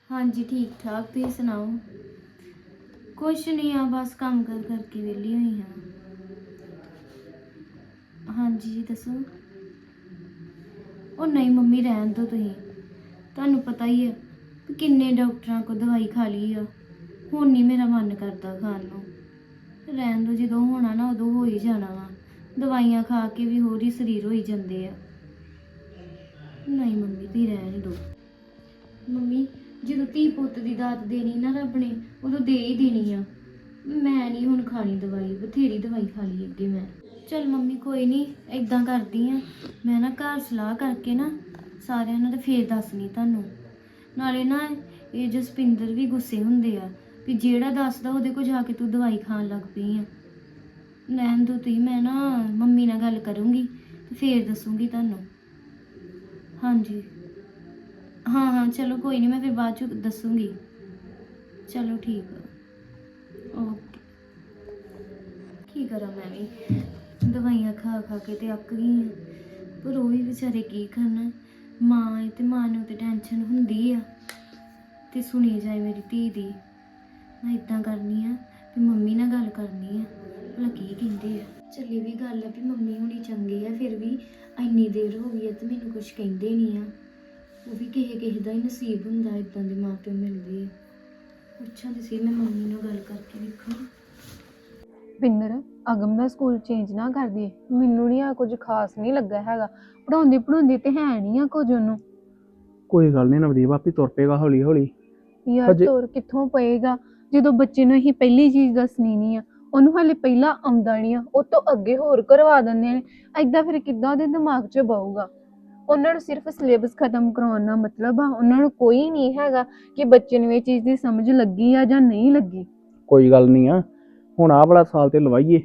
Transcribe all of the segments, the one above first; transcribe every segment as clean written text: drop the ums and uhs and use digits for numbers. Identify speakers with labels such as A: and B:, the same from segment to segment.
A: हाँ जी ठीक ठाक, तुम सुनाओ। कुछ नहीं आ, बस काम कर करके वेली हुई हाँ। हाँ जी दसो। ਉਹ ਨਹੀਂ ਮੰਮੀ ਰਹਿਣ ਦੋ ਤੁਸੀਂ, ਤੁਹਾਨੂੰ ਪਤਾ ਹੀ ਹੈ ਕਿ ਕਿੰਨੇ ਡਾਕਟਰਾਂ ਕੋਲ ਦਵਾਈ ਖਾ ਲਈ ਆ, ਹੁਣ ਨਹੀਂ ਮੇਰਾ ਮਨ ਕਰਦਾ ਖਾਣ ਨੂੰ। ਰਹਿਣ ਦੋ, ਜਦੋਂ ਹੋਣਾ ਨਾ ਉਦੋਂ ਹੋ ਹੀ ਜਾਣਾ ਵਾ। ਦਵਾਈਆਂ ਖਾ ਕੇ ਵੀ ਹੋਰ ਹੀ ਸਰੀਰ ਹੋਈ ਜਾਂਦੇ ਆ। ਨਹੀਂ ਮੰਮੀ ਤੁਸੀਂ ਰਹਿਣ ਦੋ। ਮੰਮੀ ਜਦੋਂ ਧੀ ਪੁੱਤ ਦੀ ਦਾਤ ਦੇਣੀ ਨਾ ਰੱਬ ਨੇ, ਉਦੋਂ ਦੇ ਹੀ ਦੇਣੀ ਆ। ਮੈਂ ਨਹੀਂ ਹੁਣ ਖਾਣੀ ਦਵਾਈ, ਬਥੇਰੀ ਦਵਾਈ ਖਾ ਲਈ ਅੱਗੇ ਮੈਂ। ਚਲ ਮੰਮੀ ਕੋਈ ਨਹੀਂ, ਇਦਾਂ ਕਰਦੀ ਆ ਮੈਂ ਨਾ ਘਰ ਸਲਾਹ ਕਰਕੇ ਨਾ ਸਾਰਿਆਂ ਨੂੰ ਤੇ ਫੇਰ ਦੱਸਣੀ ਤੁਹਾਨੂੰ। ਨਾਲੇ ਨਾ ਇਹ ਜਸਪਿੰਦਰ ਵੀ ਗੁੱਸੇ ਹੁੰਦੇ ਆ ਵੀ ਜਿਹੜਾ ਦੱਸਦਾ ਉਹਦੇ ਕੋਲ ਜਾ ਕੇ ਤੂੰ ਦਵਾਈ ਖਾਣ ਲੱਗ ਪਈ ਆ। ਲੈਣ ਦੋ ਤੁਸੀਂ, ਮੈਂ ਨਾ ਮੰਮੀ ਨਾਲ ਗੱਲ ਕਰੂੰਗੀ ਤੇ ਫੇਰ ਦੱਸੂੰਗੀ ਤੁਹਾਨੂੰ। ਹਾਂਜੀ हाँ हाँ चलो कोई नहीं, मैं फिर बाद च दसूँगी। चलो ठीक है ओके। की करा मैं भी दवाइयाँ खा खा के ते अक गई हाँ, पर वो भी बेचारे की करन। माँ है ते माँ नूं ते टेंशन हुंदी आ ते सुनी जाए मेरी धी दी। मैं इदां करनी आ भी मम्मी नाल गल करनी आ, भला की कहंदे आ। चली भी गल है भी मम्मी हुणी चंगे आ, फिर भी इन्नी देर हो गई है ते मैनूं कुछ कहंदे नहीं आ। वो भी किसी का ही नसीब होंदा इदां दे माँ प्यो मिलदे आ। पुछां ते सी मैं मम्मी नाल गल करके वेखां।
B: ਪਿੰਦਰ ਅਗਮ ਦਾ ਸਕੂਲ ਚੇਂਜ ਨਾ ਕਰ ਦੇ, ਮੈਨੂੰ ਨਹੀਂ ਆ ਕੁਝ ਖਾਸ ਨਹੀਂ ਲੱਗਾ ਹੈਗਾ। ਪੜਾਉਂਦੀ ਤੇ ਹੈ ਨਹੀਂ ਆ ਕੁਝ ਉਹਨੂੰ।
C: ਕੋਈ ਗੱਲ ਨਹੀਂ ਨਵਦੀਪ, ਆਪੇ ਤੁਰ ਪਏਗਾ ਹੌਲੀ ਹੌਲੀ।
B: ਯਾਰ ਤੁਰ ਕਿੱਥੋਂ ਪਏਗਾ ਜਦੋਂ ਬੱਚੇ ਨੂੰ ਅਸੀਂ ਪਹਿਲੀ ਚੀਜ਼ ਦੱਸਣੀ ਨਹੀਂ ਆ, ਉਹਨੂੰ ਹਾਲੇ ਪਹਿਲਾਂ ਆਉਂਦਾ ਨਹੀਂ ਆ, ਉਹ ਤੋਂ ਅੱਗੇ ਹੋਰ ਕਰਵਾ ਦਿੰਦੇ ਨੇ। ਐਦਾਂ ਫਿਰ ਕਿੱਦਾਂ ਉਹਦੇ ਦਿਮਾਗ 'ਚ ਬਹੂਗਾ। ਉਹਨਾਂ ਨੂੰ ਸਿਰਫ ਸਿਲੇਬਸ ਖਤਮ ਕਰਾਉਣ ਦਾ ਮਤਲਬ ਆ, ਉਹਨਾਂ ਨੂੰ ਕੋਈ ਨਹੀਂ ਹੈਗਾ ਕਿ ਬੱਚੇ ਨੂੰ ਇਹ ਚੀਜ਼ ਦੀ ਸਮਝ ਲੱਗੀ ਆ ਜਾਂ ਨਹੀਂ ਲੱਗੀ।
C: ਕੋਈ ਗੱਲ ਨਹੀਂ ਆ, ਹੁਣ ਆਹ ਵਾਲਾ ਸਾਲ ਤੇ ਲਵਾਈਏ।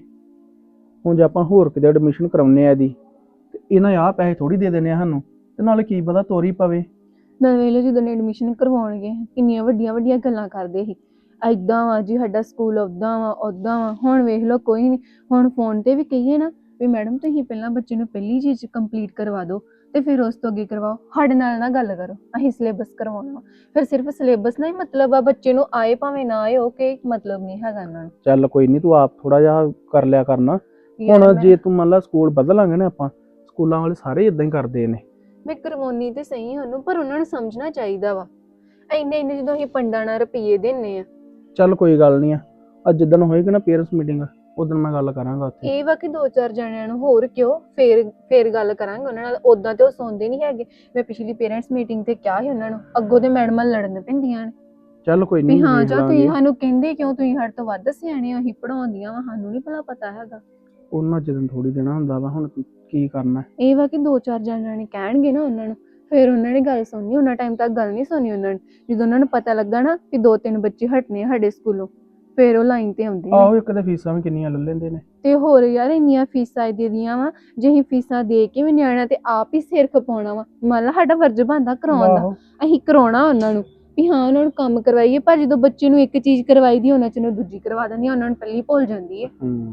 C: ਹੁਣ ਜੇ ਆਪਾਂ ਹੋਰ ਕਿਤੇ ਐਡਮਿਸ਼ਨ ਕਰਾਉਨੇ ਆ ਇਹਦੀ, ਤੇ ਇਹਨਾਂ ਆਹ ਪੈਸੇ ਥੋੜੀ ਦੇ ਦੇਣੇ ਆ ਸਾਨੂੰ, ਤੇ ਨਾਲੇ ਕੀ ਪਤਾ ਤੋਰੀ ਪਵੇ।
B: ਨਵੇਂ ਵੇਲੇ ਜਦੋਂ ਐਡਮਿਸ਼ਨ ਕਰਵਾਉਣਗੇ ਕਿੰਨੀਆਂ ਵੱਡੀਆਂ ਵੱਡੀਆਂ ਗੱਲਾਂ ਕਰਦੇ ਸੀ, ਐਦਾਂ ਵਾ ਜੀ ਸਾਡਾ ਸਕੂਲ ਉੱਦਾਂ ਵਾ। ਹੁਣ ਵੇਖ ਲਓ ਕੋਈ ਨਹੀਂ। ਹੁਣ ਫੋਨ ਤੇ ਵੀ ਕਹੀਏ ਨਾ ਵੀ ਮੈਡਮ ਤੁਸੀਂ ਪਹਿਲਾਂ ਬੱਚੇ ਨੂੰ ਪਹਿਲੀ ਚੀਜ਼ ਕੰਪਲੀਟ ਕਰਵਾ ਦਿਓ ਤੇ ਫਿਰ ਉਸ ਤੋਂ ਅੱਗੇ ਕਰਵਾਓ, ਸਾਡੇ ਨਾਲ ਨਾ ਗੱਲ ਕਰੋ, ਅਸੀਂ ਸਿਲੇਬਸ ਕਰਵਾਉਣਾ ਵਾ। ਫਿਰ ਸਿਰਫ ਸਿਲੇਬਸ ਨਾਲ ਹੀ ਮਤਲਬ ਆ, ਬੱਚੇ ਨੂੰ ਆਏ ਭਾਵੇਂ ਨਾ ਆਏ, ਉਹ ਕੋਈ ਮਤਲਬ ਨਹੀਂ ਹੈਗਾ ਇਹਨਾਂ ਨੂੰ।
C: ਚੱਲ ਕੋਈ ਨਹੀਂ, ਤੂੰ ਆਪ ਥੋੜਾ ਜਿਹਾ ਕਰ ਲਿਆ ਕਰਨਾ। ਹੁਣ ਜੇ ਤੂੰ ਮੰਨ ਲਾ ਸਕੂਲ ਬਦਲਾਂਗੇ ਨਾ ਆਪਾਂ, ਸਕੂਲਾਂ ਵਾਲੇ ਸਾਰੇ ਇਦਾਂ ਹੀ ਕਰਦੇ ਨੇ।
B: ਮੈਂ ਕਰਵਾਉਣੀ ਤੇ ਸਹੀ ਉਹਨੂੰ, ਪਰ ਉਹਨਾਂ ਨੂੰ ਸਮਝਣਾ ਚਾਹੀਦਾ ਵਾ। ਇੰਨੇ ਜਦੋਂ ਅਸੀਂ ਪੰਡਾਂ ਨਾਲ ਰੁਪਈਏ ਦਿੰਨੇ ਆ।
C: ਚੱਲ ਕੋਈ ਗੱਲ ਨਹੀਂ ਆ, ਅੱਜ ਜਿੱਦਣ ਹੋਏਗੀ ਨਾ ਪੇਰੈਂਟਸ ਮੀਟਿੰਗ, ਉਦੋਂ ਮੈਂ ਗੱਲ ਕਰਾਂਗਾ ਉੱਥੇ।
B: ਇਹ ਵਾ ਕਿ 2-4 ਜਣਿਆਂ ਨੂੰ ਹੋਰ ਕਿਉਂ ਫੇਰ ਗੱਲ ਕਰਾਂਗੇ ਉਹਨਾਂ ਨਾਲ। ਉਦਾਂ ਤੇ ਉਹ ਸੁਣਦੇ ਨਹੀਂ ਹੈਗੇ। ਮੈਂ ਪਿਛਲੀ ਪੇਰੈਂਟਸ ਮੀਟਿੰਗ ਤੇ ਕਿਹਾ ਸੀ ਉਹਨਾਂ ਨੂੰ, ਅੱਗੋਂ ਤੇ ਮੈਡਮਾਂ ਲੜਨ ਪੈਂਦੀਆਂ ਨੇ।
C: ਚੱਲ ਕੋਈ ਨਹੀਂ,
B: ਹਾਂ ਜਾਂ ਤੁਸੀਂ ਸਾਨੂੰ ਕਹਿੰਦੇ ਕਿਉਂ, ਤੁਸੀਂ ਸਾਡੇ ਤੋਂ ਵੱਧ ਸਿਆਣੇ ਹੋ, ਅਸੀਂ ਪੜਾਉਂਦੀਆਂ ਵਾ, ਸਾਨੂੰ ਨਹੀਂ ਭਲਾ ਪਤਾ ਹੈਗਾ।
C: ਉਹਨਾਂ ਜਦੋਂ ਥੋੜੀ ਦੇਣਾ ਹੁੰਦਾ ਵਾ, ਹੁਣ ਕੀ ਕਰਨਾ।
B: ਇਹ ਵਾ ਕਿ 2-4 ਜਣਿਆਂ ਨੇ ਕਹਿਣਗੇ ਨਾ ਉਹਨਾਂ ਨੂੰ, ਫਿਰ ਉਹਨਾਂ ਨੇ ਗੱਲ ਸੁਣਨੀ। ਉਹਨਾਂ ਟਾਈਮ ਤੱਕ ਗੱਲ ਨਹੀਂ ਸੁਣੀ ਉਹਨਾਂ ਨੇ। ਜਦੋਂ ਉਹਨਾਂ ਨੂੰ ਪਤਾ ਲੱਗਾ ਨਾ ਕਿ 2-3 ਬੱਚੇ ਹਟਨੇ ਸਾਡੇ ਸਕੂਲੋਂ, ਫਿਰ ਉਹ ਲਾਈਨ ਤੇ ਆਉਂਦੇ ਨੇ।
C: ਆਹੋ, ਇੱਕ ਤੇ ਫੀਸਾਂ ਵੀ ਕਿੰਨੀਆਂ ਲੈ ਲੈਂਦੇ ਨੇ।
B: ਤੇ ਹੋਰ ਯਾਰ ਇੰਨੀਆਂ ਫੀਸਾਂ ਦੇ ਦੀਆਂ ਵਾ, ਜੇ ਅਸੀਂ ਫੀਸਾਂ ਦੇ ਕੇ ਵੀ ਨਿਆਣਾ ਤੇ ਆਪ ਹੀ ਸਿਰ ਖਪਾਉਣਾ ਵਾ। ਮੰਨ ਲਾ ਸਾਡਾ ਫਰਜ਼ ਬਣਦਾ ਕਰਾਉਣ ਦਾ, ਅਸੀਂ ਕਰਾਉਣਾ ਉਹਨਾਂ ਨੂੰ ਵੀ ਹਾਂ ਉਹਨਾਂ ਨੂੰ ਕੰਮ ਕਰਵਾਈਏ। ਪਰ ਜਦੋਂ ਬੱਚੇ ਨੂੰ ਇੱਕ ਚੀਜ਼ ਕਰਵਾਈ ਦੀ, ਉਹਨਾਂ ਚ ਨੂੰ ਦੂਜੀ ਕਰਵਾ ਦਿੰਦੀ, ਉਹਨਾਂ ਨੂੰ ਪਹਿਲੀ ਭੁੱਲ ਜਾਂਦੀ ਹੈ।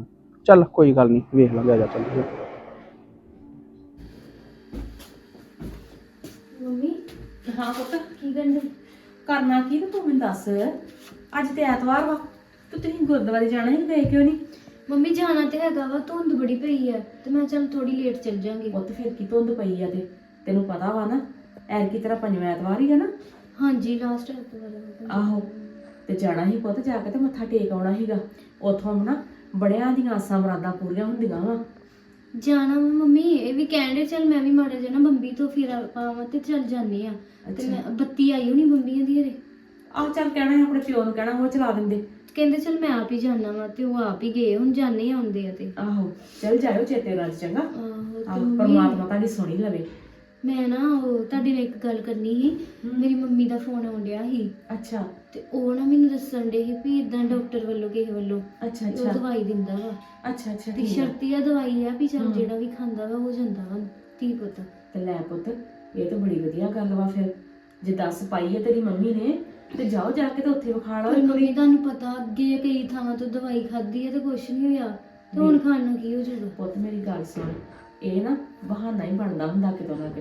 C: ਚੱਲ ਕੋਈ ਗੱਲ ਨਹੀਂ, ਵੇਖ ਲਾਂਗੇ, ਆ ਜਾ ਚੱਲ।
A: ਮੰਮੀ
D: ਹਾਂ ਪੁੱਤ,
A: ਕੀ ਕਰਦੇ?
D: ਕਰਨਾ ਕੀ ਤੇ ਤੂੰ ਮੈਨੂੰ ਦੱਸ। ਅੱਜ ਤੇ ਐਤਵਾਰ ਵਾ, ਤੇ ਤੁਸੀਂ ਗੁਰਦੁਆਰੇ ਜਾਣਾ ਸੀ, ਗਏ ਕਿਉਂ ਨਹੀਂ?
A: ਮੰਮੀ ਜਾਣਾ ਤੇ ਹੈਗਾ ਵਾ, ਧੁੰਦ ਬੜੀ ਪਈ ਆ ਤੇ ਮੈਂ ਚੱਲ ਥੋੜੀ ਲੇਟ ਚੱਲ ਜਾਾਂਗੀ।
D: ਪੁੱਤ ਫਿਰ ਕੀ ਧੁੰਦ ਪਈ ਆ, ਤੇ ਤੈਨੂੰ ਪਤਾ ਵਾ ਨਾ ਐਤਕੀ ਤੇਰਾ 5ਵਾਂ ਐਤਵਾਰ ਹੀ ਆ ਨਾ।
A: ਹਾਂਜੀ ਲਾਸਟ ਐਤਵਾਰ।
D: ਆਹੋ, ਤੇ ਜਾਣਾ ਸੀ ਪੁੱਤ, ਜਾ ਕੇ ਤੇ ਮੱਥਾ ਟੇਕ ਆਉਣਾ ਸੀਗਾ। ਉੱਥੋਂ ਨਾ ਬੜਿਆਂ ਦੀਆਂ ਆਸਾਂ ਮੁਰਾਦਾਂ ਪੂਰੀਆਂ ਹੁੰਦੀਆਂ ਵਾ।
A: ਜਾਣਾ ਵਾ ਮੰਮੀ, ਇਹ ਵੀ ਕਹਿੰਦੇ ਚੱਲ ਮੈਂ ਵੀ ਮਾੜਾ ਜਿਹਾ ਨਾ ਬੰਬੀ ਤੋਂ ਫਿਰ ਆਵਾਂ ਤੇ ਚੱਲ ਜਾਂਦੇ ਆ। ਤੇ ਮੈਂ ਬੱਤੀ ਆਈ ਹੋਣੀ ਬੰਬੀਆਂ ਦੀ ਹਰੇ।
D: ਆਹ ਚੱਲ ਕਹਿਣਾ ਸੀ ਆਪਣੇ ਪਿਓ ਨੂੰ, ਕਹਿਣਾ ਉਹ ਚਲਾ ਦਿੰਦੇ।
A: ਕਹਿੰਦੇ ਚੱਲ ਮੈਂ ਆਪ ਹੀ ਜਾਣਾ ਵਾ, ਤੇ ਉਹ ਆਪ ਹੀ ਗਏ, ਹੁਣ ਜਾਣੇ ਆਉਂਦੇ ਆ। ਤੇ
D: ਆਹੋ ਚੱਲ ਜਾਇਓ ਚੇਤੇ ਨਾਲ, ਚੰਗਾ।
A: ਆਹੋ
D: ਪਰਮਾਤਮਾ ਤੁਹਾਡੀ ਸੁਣੀ ਲਵੇ।
A: ਮੈਂ ਨਾ ਉਹ ਤੁਹਾਡੇ ਨਾਲ ਇੱਕ ਗੱਲ ਕਰਨੀ ਸੀ। ਮੇਰੀ ਮੰਮੀ ਦਾ ਫੋਨ ਆਉਣ ਡਿਆ ਸੀ।
D: ਅੱਛਾ।
A: ਤੇ ਉਹ ਨਾ ਮੈਨੂੰ ਦੱਸਣ ਡੇ ਸੀ ਵੀ ਇਦਾਂ ਡਾਕਟਰ ਵੱਲੋਂ ਕਿਸੇ ਵੱਲੋਂ
D: ਅੱਛਾ
A: ਉਹ
D: ਅੱਛਾ
A: ਦਵਾਈ ਦਿੰਦਾ ਵਾ।
D: ਅੱਛਾ ਅੱਛਾ,
A: ਤੇ ਸ਼ਰਤੀਆ ਦਵਾਈ ਆ ਵੀ ਚੱਲ ਜਿਹੜਾ ਵੀ ਖਾਂਦਾ ਵਾ ਹੋ ਜਾਂਦਾ ਵਾ ਧੀ ਪੁੱਤ।
D: ਤੇ ਲੈ ਪੁੱਤ, ਇਹ ਤਾਂ ਬੜੀ ਵਧੀਆ ਗੱਲ ਵਾ। ਫਿਰ ਜੇ 10 ਪਾਈ ਹੈ ਤੇਰੀ ਮੰਮੀ ਨੇ, ਤੇ ਜਾਓ ਜਾ ਕੇ ਤੇ ਉੱਥੇ ਵਿਖਾ ਲਓ।
A: ਮੰਮੀ ਤੁਹਾਨੂੰ ਪਤਾ ਅੱਗੇ ਕਈ ਥਾਵਾਂ ਤੋਂ ਦਵਾਈ ਖਾਧੀ ਹੈ ਤੇ ਕੁਛ ਨਹੀਂ ਹੋਇਆ, ਤੇ ਹੁਣ ਖਾਣ ਨੂੰ ਕੀ ਹੋ ਜਾਊਗਾ?
D: ਪੁੱਤ ਮੇਰੀ ਗੱਲ ਸੁਣ, ਇਹ ਨਾ ਬਹਾਨਾ ਹੀ ਬਣਦਾ ਹੁੰਦਾ ਕਿਤੋਂ ਨਾ ਕਿਤੋਂ।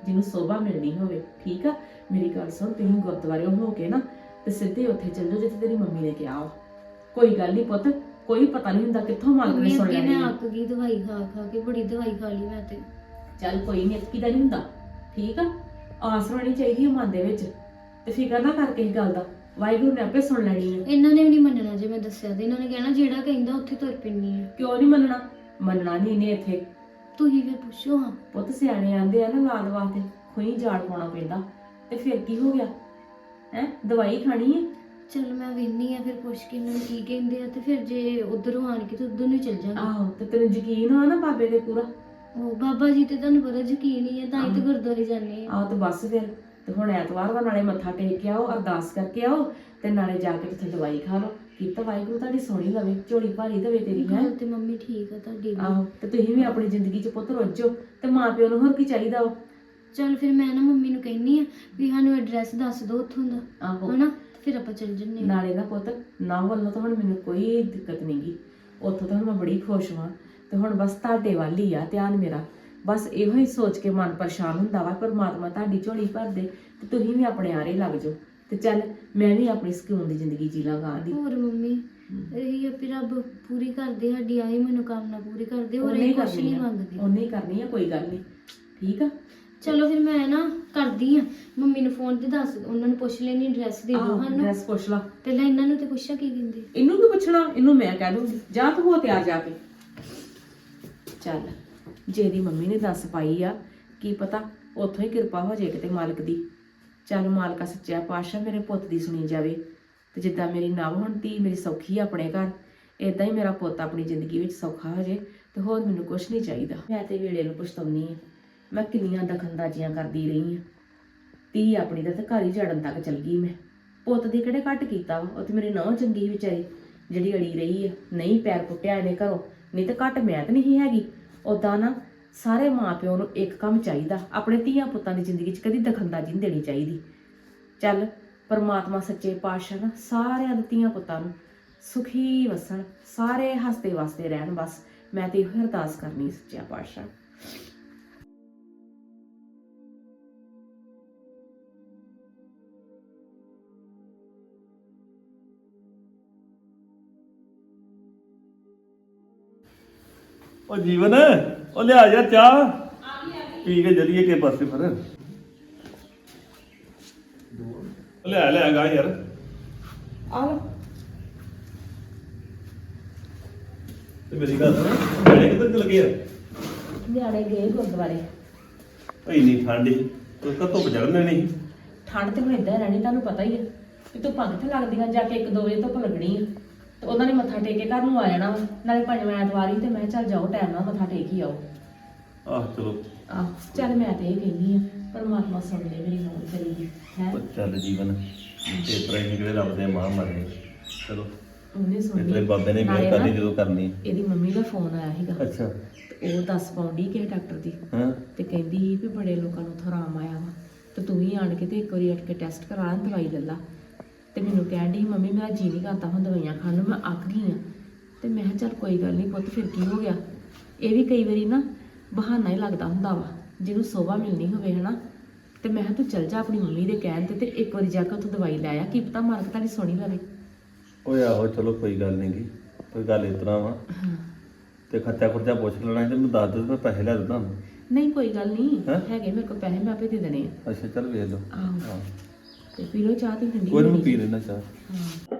D: ਜਿਹਨੂੰ ਸੋਭਾ ਮਿਲਣੀ ਹੋਵੇ। ਠੀਕ ਆ, ਮੇਰੀ ਗੱਲ ਸੁਣ, ਤੁਸੀਂ ਗੁਰਦੁਆਰੇ ਹੋ ਕੇ ਨਾ ਤੇ ਸਿੱਧੇ ਉੱਥੇ ਚੱਲ ਜਾਓ ਜਿੱਥੇ ਤੇਰੀ ਮੰਮੀ ਨੇ ਕਿਹਾ ਵਾ। ਕੋਈ ਗੱਲ ਨਹੀਂ ਪੁੱਤ, ਕੋਈ ਪਤਾ ਨਹੀਂ ਹੁੰਦਾ ਕਿੱਥੋਂ ਮਾਲਕ ਨੇ
A: ਮੰਮੀ
D: ਸੁਣ
A: ਅੱਗੇ
D: ਲੈਣੀ
A: ਮੈਂ
D: ਆ।
A: ਅੱਕ ਗਈ ਦਵਾਈ ਖਾ ਖਾ ਕੇ, ਬੜੀ ਦਵਾਈ ਖਾ ਲਈ ਮੈਂ ਤੇ।
D: ਚੱਲ ਕੋਈ ਨਹੀਂ, ਅਤਕੀ ਦਾ ਨਹੀਂ ਹੁੰਦਾ। ਠੀਕ ਆ, ਆਸ ਹੋਣੀ ਚਾਹੀਦੀ ਹੈ ਮਨ ਦੇ ਵਿੱਚ, ਤੇ ਫਿਕਰ ਨਾ ਕਰ ਕਿਸੇ ਗੱਲ ਦਾ, ਵਾਹਿਗੁਰੂ ਨੇ ਆਪੇ ਸੁਣ ਲੈਣੀ ਹੈ।
A: ਇਹਨਾਂ ਨੇ ਵੀ ਨਹੀਂ ਮੰਨਣਾ ਜੇ ਮੈਂ ਦੱਸਿਆ ਤੇ। ਇਹਨਾਂ ਨੇ ਕਹਿਣਾ ਜਿਹੜਾ ਕਹਿੰਦਾ ਉੱਥੇ ਤੁਰ ਪੈਣੀ ਆ।
D: ਕਿਉਂ ਨਹੀਂ ਮੰਨਣਾ? ਮੰਨਣਾ ਨਹੀਂ ਇਹਨੇ ਇੱਥੇ।
A: ਤੁਸੀਂ ਫਿਰ ਪੁੱਛੋ ਹਾਂ।
D: ਪੁੱਤ ਸਿਆਣੇ ਆਂਦੇ ਆ ਨਾ, ਲਾਲ ਵਾਸਤੇ ਖੂਹੀ ਜਾੜ ਪਾਉਣਾ ਪੈਂਦਾ, ਤੇ ਫਿਰ ਕੀ ਹੋ ਗਿਆ ਹੈ? ਦਵਾਈ ਖਾਣੀ ਹੈ।
A: ਚਲ ਮੈਂ ਵੇਖਨੀ ਆ ਫਿਰ ਪੁੱਛ ਕੇ ਇਹਨਾਂ ਨੂੰ ਕੀ ਕਹਿੰਦੇ ਆ, ਤੇ ਫਿਰ ਜੇ ਉਧਰੋਂ ਆਣ ਕੇ ਤੇ ਉਧਰ ਨੂੰ ਚੱਲ ਜਾਵਾਂਗੇ।
D: ਆਹੋ, ਤੇ ਤੈਨੂੰ ਯਕੀਨ ਆ ਨਾ ਬਾਬੇ ਦੇ ਪੂਰਾ?
A: ਉਹ ਬਾਬਾ ਜੀ ਤੇ ਤੁਹਾਨੂੰ ਪਤਾ ਯਕੀਨ ਹੀ ਆ, ਤਾਂ ਹੀ ਤੇ ਗੁਰਦੁਆਰੇ ਜਾਂਦੇ ਆ।
D: ਆਹੋ, ਤੇ ਬਸ ਫਿਰ ਤੇ ਹੁਣ ਐਤਵਾਰ ਵਾ, ਨਾਲੇ ਮੱਥਾ ਟੇਕ ਕੇ ਆਓ, ਅਰਦਾਸ ਕਰਕੇ ਆਓ, ਤੇ ਨਾਲੇ ਜਾ ਕੇ ਉੱਥੇ ਦਵਾਈ ਖਾ ਲਓ। ਕੀਤਾ ਵਾਹਿਗੁਰੂ ਤੁਹਾਡੀ ਸੋਹਣੀ ਲਵੇ, ਝੋਲੀ ਭਾਰੀ ਦੇਵੇ ਤੇਰੀ ਹੈ।
A: ਗੱਲ ਤੇ ਮੰਮੀ ਠੀਕ ਆ ਤੁਹਾਡੀ ਵੀ।
D: ਆਹੋ, ਤੇ ਤੁਸੀਂ ਵੀ ਆਪਣੀ ਜ਼ਿੰਦਗੀ 'ਚ ਪੁੱਤ ਰੁੱਝੋ, ਤੇ ਮਾਂ ਪਿਓ ਨੂੰ ਹੋਰ ਕੀ ਚਾਹੀਦਾ ਵਾ।
A: ਚਲ ਫਿਰ ਮੈਂ ਨਾ ਮੰਮੀ ਨੂੰ ਕਹਿੰਨੀ ਆ ਵੀ ਸਾਨੂੰ ਐਡਰੈਸ ਦੱਸ ਦਿਓ ਉੱਥੋਂ ਦਾ,
D: ਆਹੋ,
A: ਹਨਾ, ਤੇ ਫਿਰ ਆਪਾਂ ਚੱਲ ਜੰਨੇ ਆ।
D: ਨਾਲੇ ਨਾ ਪੁੱਤ, ਨਾ ਵੱਲੋਂ ਤਾਂ ਹੁਣ ਮੈਨੂੰ ਕੋਈ ਦਿੱਕਤ ਨਹੀਂਗੀ, ਉੱਥੋਂ ਤਾਂ ਹੁਣ ਮੈਂ ਬੜੀ ਖੁਸ਼ ਹਾਂ। ਤੇ ਹੁਣ ਬਸ ਤੁਹਾਡੇ ਵੱਲ ਹੀ ਆ ਧਿਆਨ ਮੇਰਾ। ਬਸ ਇਹੋ ਹੀ ਸੋਚ ਕੇ ਮਨ ਪਰੇਸ਼ਾਨ ਹੁੰਦਾ ਵਾ, ਪਰਮਾਤਮਾ ਤੁਹਾਡੀ ਝੋਲੀ ਭਰ ਦੇ ਤੇ ਤੁਸੀਂ ਵੀ ਆਪਣੇ ਆਰੇ ਲੱਗ ਜਾਓ, ਤੇ ਚੱਲ ਮੈਂ ਵੀ ਆਪਣੀ ਸਕੂਨ ਦੀ ਜ਼ਿੰਦਗੀ ਜੀ ਲਾਂਗਾ ਦੀ।
A: ਹੋਰ ਮੰਮੀ ਇਹੀ ਆ ਵੀ ਰੱਬ ਪੂਰੀ ਕਰਦੇ ਸਾਡੀ ਆਹੀ ਮਨੋਕਾਮਨਾ ਪੂਰੀ ਕਰਦੇ, ਹੋਰ
D: ਉਹਨੇ
A: ਇਹ
D: ਹੀ
A: ਕੁਛ
D: ਕਰਨੀ
A: ਨਹੀਂ
D: ਆ,
A: ਮੰਗਦੇ।
D: ਉਹਨੇ ਹੀ ਕਰਨੀ ਆ, ਕੋਈ ਗੱਲ ਨਹੀਂ। ਠੀਕ ਆ,
A: ਚਲੋ ਫਿਰ ਮੈਂ ਨਾ ਕਰਦੀ ਆ ਮੰਮੀ ਨੂੰ ਫੋਨ ਤੇ, ਦੱਸ ਉਹਨਾਂ ਨੂੰ ਪੁੱਛ ਲੈਣੀ ਐਡਰੈਸ ਦੇ ਦਿਓ
D: ਆਹੋ
A: ਸਾਨੂੰ।
D: ਡਰੈਸ ਪੁੱਛ ਲਾ।
A: ਪਹਿਲਾਂ ਇਹਨਾਂ ਨੂੰ ਤੇ ਪੁੱਛਿਆ ਕੀ ਕਹਿੰਦੇ।
D: ਇਹਨੂੰ ਕੀ ਪੁੱਛਣਾ, ਇਹਨੂੰ ਮੈਂ ਕਹਿ ਦੂੰਗੀ ਜਾ ਤੂੰ ਹੋ ਤਿਆਰ ਜਾ ਕੇ। ਚੱਲ, ਜੇ ਇਹਦੀ ਮੰਮੀ ਨੇ ਦੱਸ ਪਾਈ ਆ, ਕੀ ਪਤਾ ਉੱਥੋਂ ਹੀ ਕਿਰਪਾ ਹੋ ਜਾਏ ਕਿਤੇ ਮਾਲਕ ਦੀ। ਚੱਲ ਮਾਲਕਾ ਸੱਚਾ ਪਾਤਸ਼ਾਹ ਮੇਰੇ ਪੁੱਤ ਦੀ ਸੁਣੀ ਜਾਵੇ, ਤੇ ਜਿੱਦਾਂ ਮੇਰੀ ਨਵ ਹੁਣ ਧੀ ਮੇਰੀ ਸੌਖੀ ਆ ਆਪਣੇ ਘਰ, ਇਦਾਂ ਹੀ ਮੇਰਾ ਪੁੱਤ ਆਪਣੀ ਜ਼ਿੰਦਗੀ ਵਿੱਚ ਸੌਖਾ ਹੋ ਜਾਏ, ਤੇ ਹੋਰ ਮੈਨੂੰ ਕੁਝ ਨਹੀਂ ਚਾਹੀਦਾ। ਮੈਂ ਤੇ ਵੇਲੇ ਨੂੰ ਪਛਤਾਉਣੀ ਆ, ਮੈਂ ਕਿੰਨੀਆਂ ਦਖਲਅੰਦਾਜ਼ੀਆਂ ਕਰਦੀ ਰਹੀ ਆ। ਧੀ ਆਪਣੀ ਦਾ ਤੇ ਘਰ ਹੀ ਜੜਨ ਤੱਕ ਚਲ ਗਈ ਮੈਂ। ਪੁੱਤ ਦੀ ਕਿਹੜੇ ਘੱਟ ਕੀਤਾ ਵਾ, ਉਹ ਤੇ ਮੇਰੀ ਨਹੁੰ ਚੰਗੀ ਵਿਚਾਰੀ ਜਿਹੜੀ ਅੜੀ ਰਹੀ ਆ, ਨਹੀਂ ਪੈਰ ਪੁੱਟਿਆ ਇਹਨੇ ਘਰੋਂ, ਨਹੀਂ ਤੇ ਘੱਟ ਮੈਂ ਤਾਂ ਨਹੀਂ ਹੈਗੀ। ਉਦਾਂ ਨਾ ਸਾਰੇ ਮਾਪਿਓ ਨੂੰ ਇੱਕ ਕੰਮ ਚਾਹੀਦਾ, ਆਪਣੇ ਧੀਆਂ ਪੁੱਤਾਂ ਦੀ ਜ਼ਿੰਦਗੀ 'ਚ ਕਦੀ ਦਖਲਅੰਦਾਜ਼ੀ ਨਹੀਂ ਦੇਣੀ ਚਾਹੀਦੀ। ਚੱਲ ਪਰਮਾਤਮਾ ਸੱਚੇ ਪਾਤਸ਼ਾਹ ਨਾ ਸਾਰਿਆਂ ਦੇ ਧੀਆਂ ਪੁੱਤਾਂ ਨੂੰ ਸੁਖੀ ਵਸਣ, ਸਾਰੇ ਹੱਸਦੇ ਵਸਦੇ ਰਹਿਣ। ਬਸ ਮੈਂ ਤੇ ਇਹੋ ਅਰਦਾਸ ਕਰਨੀ ਸੱਚਿਆ ਪਾਤਸ਼ਾਹ।
E: ਉਹ ਜੀਵਨ, ਉਹ ਲਿਆ ਯਾਰ ਚਾਹ ਪੀ ਕੇ ਜਲੀਏ ਕੇ ਪਾਸੇ ਫਿਰ। ਉਹ ਲੈ ਗਾ ਯਾਰ।
D: ਆ ਲੋ।
E: ਤੇ ਮੇਰੀ ਗੱਲ ਸੁਣ, ਜਿਹੜੇ ਕਿੱਧਰ ਚਲ ਗਏ ਆ?
D: ਨਿਆਣੇ ਗਏ ਗੁਰਦੁਆਰੇ।
E: ਭਾਈ ਨਹੀਂ ਠੰਡੀ ਤੂੰ ਤਾਂ ਧੁੱਪ ਚੜ੍ਹਨੇ ਨਹੀਂ।
D: ਠੰਡ ਤੇ ਹੁਣ ਏਦਾਂ ਰਹਿਣੀ, ਤੁਹਾਨੂੰ ਪਤਾ ਹੀ ਹੈ ਕਿ ਧੁੱਪਾਂ ਕਿੱਥੇ ਲੱਗਦੀਆਂ, ਜਾ ਕੇ 1-2 ਵਜੇ ਧੁੱਪ ਲੱਗਣੀ ਆ, ਤੇ ਉਹਨਾਂ ਨੇ ਮੱਥਾ ਟੇਕ ਕੇ ਘਰ ਨੂੰ ਆ ਜਾਣਾ ਵਾ। ਨਾਲੇ ਪੰਜਵਾਂ ਐਤਵਾਰ ਹੀ, ਤੇ ਮੈਂ ਚੱਲ ਜਾਓ ਟਾਈਮ ਨਾਲ ਮੱਥਾ ਟੇਕ ਹੀ ਆਓ।
E: ਆਹ ਚਲੋ
D: ਆਹ ਚੱਲ ਮੈਂ ਤੇ ਇਹ ਕਹਿੰਦੀ ਆ, ਪਰਮਾਤਮਾ ਸੁਣ ਲੈ ਮੇਰੀ ਮੌਤ ਕਰੀਗੀ ਹੈ।
E: ਉਹ ਚੱਲ ਜੀਵਨ, ਤੇ ਪ੍ਰਾਈ ਨਿਕਲੇ ਰੱਬ ਦੇ ਮਾਂ ਮਰੇ। ਚਲੋ
D: ਉਹਨੇ ਸੁਣੀ।
E: ਤੇਰੇ ਬਾਬੇ ਨੇ
D: ਨਾਲੇ
E: ਮਿਹਰ
D: ਨਾ
E: ਕਰਨੀ ਜਦੋਂ ਕਰਨੀ।
D: ਇਹਦੀ ਮੰਮੀ ਦਾ ਫੋਨ ਆਇਆ ਸੀਗਾ,
E: ਅੱਛਾ।
D: ਤੇ ਉਹ ਦੱਸ ਪਾਉਂਦੀ ਕਿਸੇ ਡਾਕਟਰ ਦੀ,
E: ਹਾਂ
D: ਤੇ ਕਹਿੰਦੀ ਸੀ ਵੀ ਬੜੇ ਲੋਕਾਂ ਨੂੰ ਉੱਥੋਂ ਆਰਾਮ ਆਇਆ ਵਾ, ਤੇ ਤੂੰ ਵੀ ਆਣ ਕੇ ਤੇ ਇੱਕ ਵਾਰੀ ਉੱਠ ਕੇ ਟੈਸਟ ਕਰਾ ਲੈ, ਦਵਾਈ ਲੈ ਲਾ। ਤੇ ਮੈਨੂੰ ਕਹਿਣ ਡਈ ਮੰਮੀ ਮੇਰਾ ਜੀ ਨਹੀਂ ਕਰਦਾ ਹੁਣ ਦਵਾਈਆਂ ਖਾਣ ਨੂੰ, ਮੈਂ ਅੱਕ ਗਈ ਆ। ਤੇ ਮੈਂ ਕਿਹਾ ਚੱਲ ਕੋਈ ਗੱਲ ਨਹੀਂ ਪੁੱਤ, ਫਿਰ ਕੀ ਹੋ ਗਿਆ। ਇਹ ਵੀ ਕਈ ਵਾਰੀ ਨਾ ਬਹਾਨਾ ਹੀ ਲੱਗਦਾ ਹੁੰਦਾ ਵਾ, ਜਿਹਨੂੰ ਸੋਭਾ ਮਿਲਣੀ ਹੋਵੇ ਹਨਾ। ਤੇ ਮੈਂ ਕਿਹਾ ਤੂੰ ਚੱਲ ਜਾ ਆਪਣੀ ਮੰਮੀ ਦੇ ਕਹਿਣ ਤੇ ਇੱਕ ਵਾਰੀ ਜਾ ਕੇ ਉੱਥੋਂ ਦਵਾਈ ਲੈ ਆ, ਕੀ ਪਤਾ ਮਾਲਕ ਤੁਹਾਡੀ ਸੋਹਣੀ ਲਵੇ।
E: ਓਏ ਆਹੋ ਚਲੋ ਕੋਈ ਗੱਲ ਨਹੀਂ ਗੀ, ਕੋਈ ਗੱਲ ਇਸ ਤਰ੍ਹਾਂ ਵਾ। ਤੇ ਖਰਚਾ ਖੁਰਚਾ ਪੁੱਛ ਲੈਣਾ ਸੀ ਤੇ ਮੈਨੂੰ ਦੱਸ ਦੇ, ਮੈਂ ਪੈਸੇ ਲੈ ਦਿੰਦਾ।
D: ਨਹੀਂ ਕੋਈ ਗੱਲ ਨਹੀਂ,
E: ਹੈਂ?
D: ਹੈਗੇ ਮੇਰੇ ਕੋਲ ਪੈਸੇ, ਮੈਂ ਆਪੇ ਦੇ ਦੇਣੇ ਆ।
E: ਅੱਛਾ ਚੱਲ ਵੇਖ ਲਓ।
D: ਆਹੋ,
E: ਹਾਂ
D: ਤੇ ਪੀ ਲਓ ਚਾਹ ਤੇ ਠੰਡੀ
E: ਕੋਈ ਨਹੀਂ
D: ਹੋਣੀ।
E: ਪੀ ਲੈਣਾ ਚਾਹ।
D: ਹਾਂ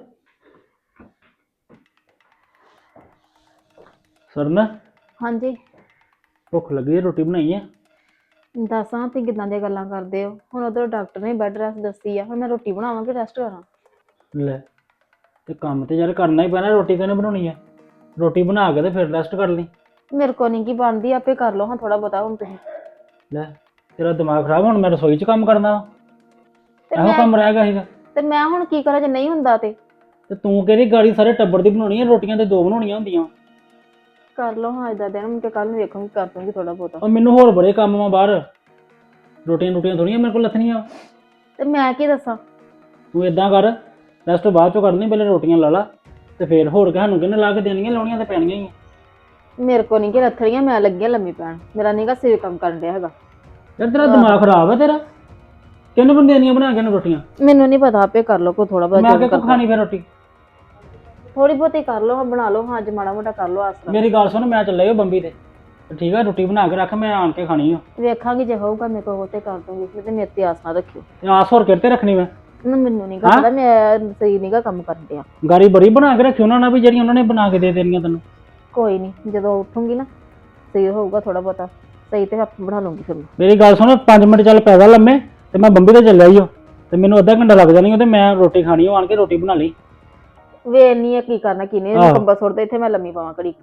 C: ਸਰਨ,
B: ਹਾਂਜੀ
C: ਭੁੱਖ ਲੱਗੀ ਹੈ, ਰੋਟੀ ਬਣਾਈ ਹੈ?
B: ਦੱਸਾਂ ਤੇ ਕਿਦਾਂ ਦੀਆਂ ਗੱਲਾਂ ਕਰਦੇ ਹੋ। ਹੁਣ ਉਧਰ ਡਾਕਟਰ ਨੇ ਬੈੱਡ ਰੈਸਟ ਦੱਸੀ ਆ, ਹੁਣ ਮੈਂ ਰੋਟੀ ਬਣਾਵਾਂ ਕਿ ਰੈਸਟ ਕਰਾਂ?
C: ਲੈ, ਤੇ ਕੰਮ ਤੇ ਯਾਰ ਕਰਨਾ ਹੀ ਪੈਣਾ, ਰੋਟੀ ਕਿਹਨੇ ਬਣਾਉਣੀ ਹੈ? ਰੋਟੀ ਬਣਾ ਕੇ ਤੇ ਫਿਰ ਰੈਸਟ ਕਰ ਲਈ।
B: ਮੇਰੇ ਕੋ ਨਹੀਂ ਕੀ ਬਣਦੀ, ਆਪੇ ਕਰ ਲਓ ਹਾਂ ਥੋੜਾ ਬਹੁਤਾ ਹੁਣ ਤੁਸੀਂ।
C: ਲੈ, ਤੇਰਾ ਦਿਮਾਗ ਖਰਾਬ, ਹੁਣ ਮੈਂ ਰਸੋਈ 'ਚ ਕੰਮ ਕਰਨਾ ਵਾ?
B: ਤੇ
C: ਇਹੋ ਕੰਮ ਰਹਿ ਗਿਆ ਸੀਗਾ।
B: ਤੇ ਮੈਂ ਹੁਣ ਕੀ ਕਰਾਂ ਜੇ ਨਹੀਂ ਹੁੰਦਾ ਤੇ
C: ਤੂੰ ਕਿਹੜੀ ਗਾੜੀ ਸਾਰੇ ਟੱਬਰ ਦੀ ਬਣਾਉਣੀ ਹੈ? ਰੋਟੀਆਂ ਤੇ 2 ਬਣਾਉਣੀਆਂ ਹੁੰਦੀਆਂ।
B: ਕਰ ਲਓ ਹਾਂ ਇਦਾਂ ਦਿਨ, ਮੈਂ ਕੱਲ ਨੂੰ ਵੇਖੂੰਗੀ, ਕਰ ਦੂੰਗੀ ਥੋੜਾ ਬਹੁਤਾ।
C: ਉਹ ਮੈਨੂੰ ਹੋਰ ਬੜੇ ਕੰਮ ਆ ਬਾਹਰ, ਰੋਟੀਆਂ ਥੋੜੀਆਂ ਮੇਰੇ ਕੋਲ ਲੱਥਣੀਆਂ।
B: ਤੇ ਮੈਂ ਕੀ ਦੱਸਾਂ?
C: ਤੂੰ ਇਦਾਂ ਕਰ, ਰੈਸਟ ਬਾਅਦ ਚੋਂ ਕਰਨੀ, ਪਹਿਲੇ ਰੋਟੀਆਂ ਲਾ ਲਾ, ਤੇ ਫਿਰ ਹੋਰ ਸਾਨੂੰ ਕਿਹਨੇ ਲਾ ਕੇ ਦੇਣੀਆਂ, ਲਾਉਣੀਆਂ ਤੇ ਪੈਣੀਆਂ ਹੀ ਆ।
B: ਮੇਰੇ ਕੋ ਨਹੀਂ ਕਿ ਰੱਥੜੀਆਂ, ਮੈਂ ਲੱਗੀਆਂ ਲੰਮੀ ਪੈਣ, ਮੇਰਾ ਨੀਗਾ ਸਿਰ ਕੰਮ ਕਰਨ ਡਿਆ ਹੈਗਾ।
F: ਯਾਰ ਤੇਰਾ ਦਿਮਾਗ ਖਰਾਬ ਹੈ ਤੇਰਾ। ਕਿੰਨੇ ਬੰਦੇ ਦੇਣੀਆਂ ਬਣਾ ਕੇ ਇਹਨੂੰ ਰੋਟੀਆਂ?
B: ਮੈਨੂੰ ਨਹੀਂ ਪਤਾ, ਆਪੇ ਕਰ ਲਓ ਕੋ ਥੋੜਾ
F: ਮੈਂ
B: ਬਹੁਤ
F: ਕਿ ਖਾਣੀ ਫਿਰ ਰੋਟੀ?
B: ਥੋੜੀ ਬਹੁਤੀ ਕਰ ਲਓ, ਬਣਾ ਲਓ ਹਾਂ, ਅੱਜ ਮਾੜਾ ਮੋਟਾ ਕਰ ਲਓ ਆਸਰਾ।
F: ਮੇਰੀ ਗੱਲ ਸੁਣ, ਮੈਂ ਚੱਲਿਆ ਬੰਬੀ ਤੇ ਠੀਕ ਆ, ਰੋਟੀ ਬਣਾ ਕੇ ਰੱਖ, ਮੈਂ ਆਣ ਕੇ ਖਾਣੀ ਆ।
B: ਵੇਖਾਂਗੀ ਜੇ ਹੋਊਗਾ ਮੇਰੇ ਕੋਲ ਤੇ ਕਰ ਦੂੰਗੀ, ਨਹੀਂ ਤੇ ਮੇਰੇ ਤੇ ਆਸ ਨਾ ਰੱਖਿਓ।
F: ਤੇ ਆਸ ਹੋਰ ਕਿਤੇ ਰੱਖਣੀ ਮੈਂ?
B: ਨਾ ਮੈਨੂੰ ਨਹੀਂ ਪਤਾ, ਮੈਂ ਸਹੀ ਨਹੀਂਗਾ ਕੰਮ ਕਰਦੇ ਆ।
F: ਗਾਰੀ ਬੜੀ ਬਣਾ ਕੇ ਰੱਖੀ ਉਹਨਾਂ ਨਾਲ ਵੀ ਜਿਹੜੀਆਂ ਉਹਨਾਂ ਨੇ ਬਣਾ ਕੇ ਦੇ ਦੇਣੀਆਂ ਤੈਨੂੰ।
B: ਕੋਈ ਨਹੀਂ, ਜਦੋਂ ਉੱਠੂਗੀ ਨਾ ਸਹੀ ਹੋਊਗਾ ਥੋੜਾ ਬਹੁਤਾ ਸਹੀ ਤੇ ਆਪੇ ਬਣਾ ਲੂੰਗੀ ਫਿਰ।
F: ਮੇਰੀ ਗੱਲ ਸੁਣ, 5 ਮਿੰਟ ਚੱਲ ਪੈਦਾ ਲੰਮੇ ਤੇ ਮੈਂ ਬੰਬੀ ਤੇ ਚੱਲਿਆ ਈ ਓ, ਤੇ ਮੈਨੂੰ ਅੱਧਾ ਘੰਟਾ ਲੱਗ ਜਾਣੀ ਤੇ ਮੈਂ ਰੋਟੀ ਖਾਣੀ ਓ, ਆਣ ਕੇ ਰੋਟੀ ਬਣਾ ਲਈ।
B: ਵੇਖ ਨਹੀਂ ਆ ਕੀ ਕਰਨਾ ਕੀ ਨਹੀਂ,
F: ਆਹੋ।
B: ਕੰਬਾ ਸੁੱਟਦੇ ਇੱਥੇ ਮੈਂ ਲੰਮੀ ਪਾਵਾਂ ਘੜੀ।